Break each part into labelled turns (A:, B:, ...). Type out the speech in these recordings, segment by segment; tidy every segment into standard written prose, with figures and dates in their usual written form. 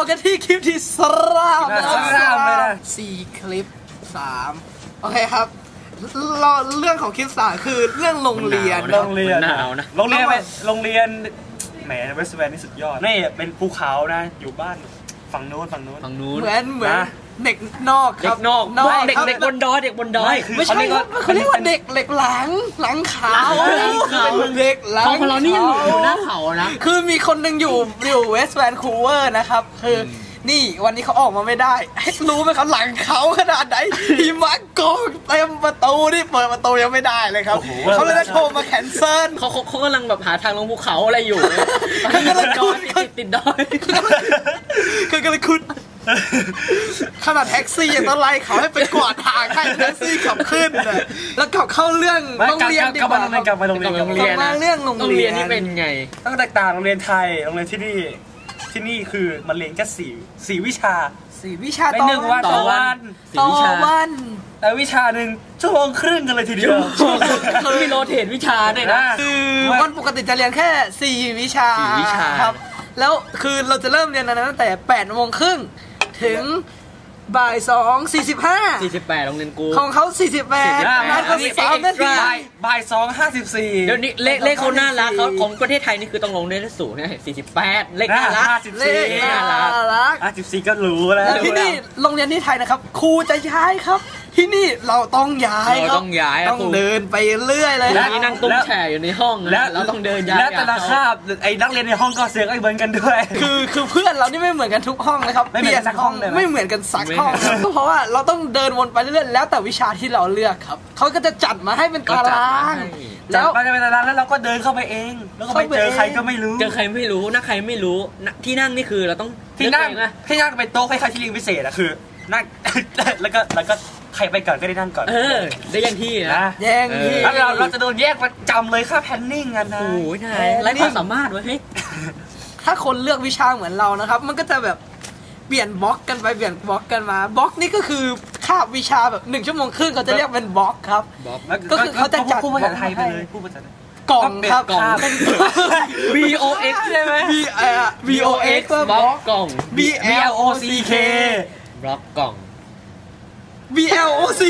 A: กันที่คลิปที่3นะครับ4คลิป3โอเคครับเรื่องของคลิป3คือเรื่องโรงเรียน
B: หนาวนะโรงเรียนแหมเวสต์แวนนี่สุดยอดนี่เป็นภูเขานะอยู่บ้านฝั่งนู้น
A: เหมือนเด็กนอกครับ
C: เด็กบนดอย
A: ไม่ใช่เขาเรียกว่าเด็กหลังเขาเด็กหลัง
C: ของเรานี่ยังอยู่หน้าเขานะ
A: คือมีคนหนึ่งอยู่เวสต์แวนคูเวอร์นะครับคือนี่วันนี้เขาออกมาไม่ได้ให้รู้ไหมครับหลังเขาขนาดไหนหิมะกองเต็มประตูนี่เปิดประตูยังไม่ได้เลยครับเขาเลยโทรมาแคนเซิล
C: เขากำลังแบบหาทางลงภูเขาอะไรอยู่เขากำลังติดดอย
A: คือกำลังคุณขนาดแท็กซี่ยังต้องไล่เขาให้ไปกวาดทางให้แท็กซี่ขับขึ้นเลยแล้วกลับเข้าเรื่องโรงเรียนดีกว่าก
B: ลับมาโรงเรียน
A: เรื่องโรงเรียน
C: นี่เป็นไง
B: ต้องแตกต่างโรงเรียนไทยโรงเรียนที่นี่คือมันเรียนแค่4วิชา
A: ต่อ
B: วันแต่วิชาหนึ่งชั่วโมงครึ่งกันเลยทีเดียว
C: เขามีโรเทตวิชาด้วยนะ
A: คือวันปกติจะเรียนแค่4วิชาครับแล้วคือเราจะเริ่มเรียนตั้งแต่8:30ถึงบ่าย
C: 48โรงเรียนกู
A: ของเขา48นัดก็3นาที
B: บ่าย2:54
C: เดี๋ยวนี้เลขเขาน่ารักเขาของประเทศไทยนี่คือต้องลงได้สูงนะ48เลขน่ารัก
B: 54ก็รู้แล้ว
A: ที่นี่โรงเรียนที่ไทยนะครับครูจะย้ายครับที่นี่เราต้องย้ายต้องเดินไปเรื่อยเลย
C: แล้วนั่งตุ้มแฉอยู่ในห้องแล้วเราต้องเดินย้าย
B: และแต่ละคาบไอ้นักเรียนในห้องก็เสียงไอ้เหมือนกันด้วย
A: คือเพื่อนเรานี่ไม่เหมือนกันทุกห้องนะครับ
B: ไม่เหมือนสักห้องเลย
A: ไม่เหมือนกันสักห้องเพราะว่าเราต้องเดินวนไปเรื่อยๆแล้วแต่วิชาที่เราเลือกครับเขาก็จะจัดมาให้เป็นตาราง
B: แล้วมันจะเป็นตารางแล้วเราก็เดินเข้าไปเองแล้วก็ไปเจอใครก็ไม่รู้
C: นักใครไม่รู้ที่นั่งนี่คือเราต้อง
B: ที่นั่งเป็นโต๊ะคล้ายๆที่เรียนพิเศษอะคือนั่งแล้วก็ใครไปก่อนก็ได้นั่งก่อน
C: ได้ยังที่นะ
A: แย่งที่
B: แล้วเราจะโดนแยกประจำเลยค่าแพนนิ่งกันนะ
C: โอ้ยนายไร้ความสามารถวะเฮ้ย
A: ถ้าคนเลือกวิชาเหมือนเรานะครับมันก็จะแบบเปลี่ยนบล็อกกันไปเปลี่ยนบล็อกกันมาบล็อกนี่ก็คือคาบวิชาแบบ1 ชั่วโมงครึ่งเขาจะเรียกเป็นบล็อกครับก็คือเขาจะจัด
B: พูดภาษาไทยไปเลยพูดภาษาไทย
A: กล่องครับ
C: VOX ใช่ไหม
A: VOX
C: บล็อกกล่อง
B: BLOCK
C: บล็อกกล่อง
A: BLOCK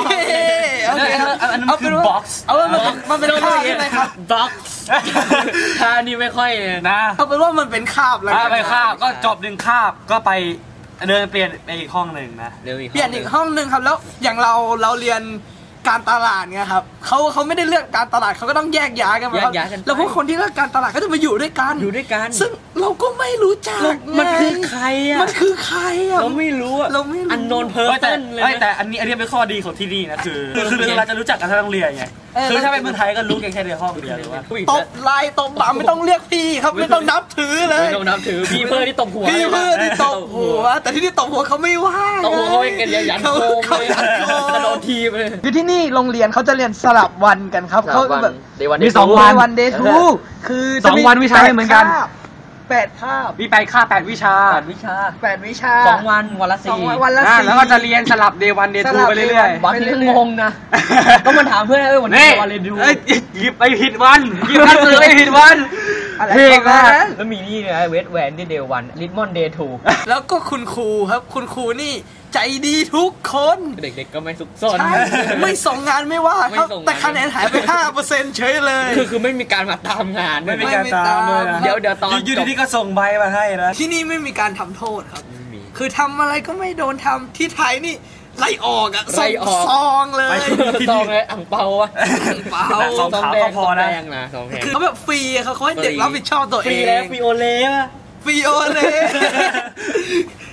B: อันนั้นคือ box
A: มันเป็นคาบใช่ไหมครับ
C: box ถ้านี่ไม่ค่อย
B: นะ
A: เอาเป็นว่ามันเป็นคาบแล้ว
B: ไปคาบก็จบ1คาบก็ไปเดินเปลี่ยนไปอีกห้องหนึ่งนะ
A: เปลี่ยนอีกห้องหนึ่งครับแล้วอย่างเราเรียนการตลาดไงครับเขาไม่ได้เลือกการตลาดเขาก็ต้องแยกย้ายกันครับแล้วพวกคนที่เลือกการตลาดก็จะมาอยู่ด้วยกันซึ่งเราก็ไม่รู้จัก
C: มันคือใครอ่ะเราไม่รู้อันโนนเพอร์เซนเลย
B: แต่อันนี้เป็นข้อดีของที่นี่นะคือเราจะรู้จักกันทั้งโรงเรียนไงคือถ้าเป็นเมืองไทยก็รู้แค่ในห้องเดียวเลยว่า
A: ตบไล่ตบบ่าไม่ต้องเรียกพี่ครับไม่ต้องนับถือเลย
C: ไม่ต้องนับถือพี่เพื่อที่ตบหัว
A: แต่ที่นี่ตบหัวเขาไม่ว่า
C: ตบหัวเขาเป็นกันยันโคมเลยกระโดดทีเลย
A: คือที่นี่โรงเรียนเขาจะเรียนสลับวันกันครับเขาแบบ
B: มี2
A: วันเดย์ทูคือ
B: 2 วันวิชาไม่เหมือนกัน
A: 8 คาบ
B: มี8 คาบ8 วิชา
C: 2 วันวันละ4
B: แล้วก็จะเรียนสลับเดย์วันเดย์ทูไปเรื่อย
C: ๆบางทีก็งงนะก็มันถามเพื่อนวันนี้วันเดย์ทู
B: หยิบไปผิดวันหยิบหนังสือไปผิดวันเพลงนะ
C: แล้วมีนี่นะเวสแวนเดย์วันลิทมอนเดย์ทู
A: แล้วก็คุณครูครับคุณครูนี่ใจดีทุกคน
C: เด็กๆก็ไม่ซุกซน
A: ไม่ส่งงานไม่ว่าครับแต่คะแนนหายไป 5% เฉยเลย
C: คือไม่มีการมาตามงาน
B: ไม่มีการตามเลย
C: เดี๋ยวตอน
B: อยู่ดีๆก็ส่งใบมาให้นะ
A: ที่นี่ไม่มีการทำโทษครับคือทำอะไรก็ไม่โดนทำที่ไทยนี่ไล่ออกส่งซองเลย
C: ซองเลยอ่างเปา
B: ซองขาวก็พอนะ
A: คือเขาแบบฟรีเขาให้เด็กรับผิดชอบตัวเอง
C: ฟรีแล้วฟรีโอเล่
A: ฟรีโอเล่